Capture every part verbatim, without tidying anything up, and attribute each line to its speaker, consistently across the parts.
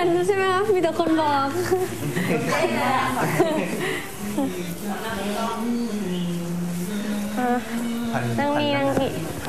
Speaker 1: นใช่ไหมคะมีแต่คนบอกนั่งนี่นั่งนี่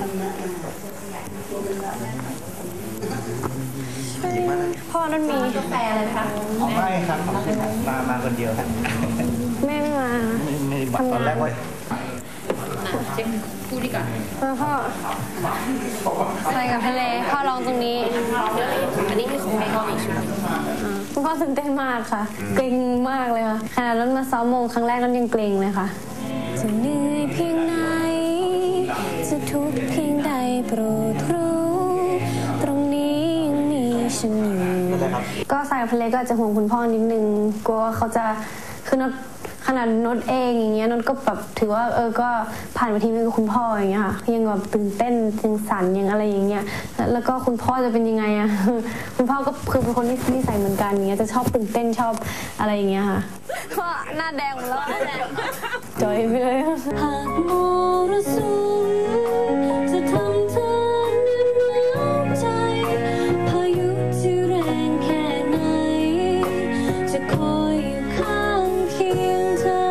Speaker 1: พ่อนั่นมีกาแฟอะไรคะ
Speaker 2: ไม่ครับมามาคนเดียวครับ
Speaker 1: แม่ไม่มา
Speaker 2: ไม่ไม่ตอนแรกว่า
Speaker 3: เช็คพูดดีก่อน
Speaker 1: พ่อใส่กับทะเลพ่อลองตรงนี้
Speaker 3: อันนี้คือของแม่ก็อีกชุด
Speaker 1: คุณพ่อตื่นเต้นมากค่ะเกรงมากเลยค่ะขนาดนั้นมาซ้อมโมงครั้งแรกนั้นยังเกรงเลยค่ะจะเหนื่อยเพียงไหนจะทุกข์เพียงใดโปรดรู้ตรงนี้ยังมีฉันอยู่ก็ใส่กับทะเลก็อาจจะห่วงคุณพ่อนิดนึงกลัวว่าเขาจะคือนดขนาดนดเองอย่างเงี้ยนดก็แบบถือว่าเออก็ผ่านมาทีนึงกับคุณพ่ออย่างเงี้ยค่ะยังแบบตื่นเต้นยังสั่นยังอะไรอย่างเงี้ยแล้วก็คุณพ่อจะเป็นยังไงอะคุณพ่อก็คือเป็นคนที่นิสัยเหมือนกันอย่างเงี้ยจะชอบตื่นเต้นชอบอะไรอย่างเงี้ยค่ะพ่อหน้าแดงหมดแล้วจอยไปเลยหากมรสุมจะทำเธอหนาวใจพายุจะแรงแค่ไหนจะคอยอยู่ข้างเคียงเธอ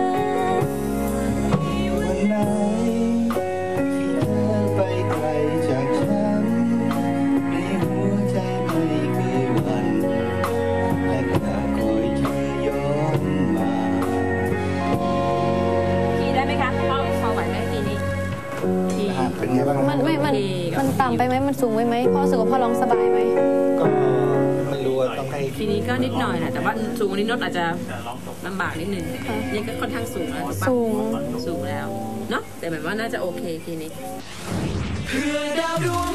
Speaker 2: วันไหนที่เธอไปไกลจากฉันในหัวใจไม่เคยหวั่นและจะคอยเธอย้อนมา
Speaker 3: ทีได้ไหมคะเข้าเข้าไหวไหมทีนี้ที
Speaker 2: เป็นไงบ้าง
Speaker 1: มันไม่มันมันต่ำไปไหมมันสูงไปไหมพ่อรู้สึกว่าพ่อร้องสบายไหม
Speaker 2: ก็ไม่รู้ว่าต้องให้
Speaker 3: ทีนี้ก็นิดหน่อยแหละแต่ว่าสูงนิดนดอาจจะลำบากนิดนึงนี่ก็ค่อนข้างสูงแล้ว
Speaker 1: สูง
Speaker 3: สูงแล้วเนาะแต่แบบว่าน่าจะโอเคทีนี้
Speaker 4: เพื่อดาวดวง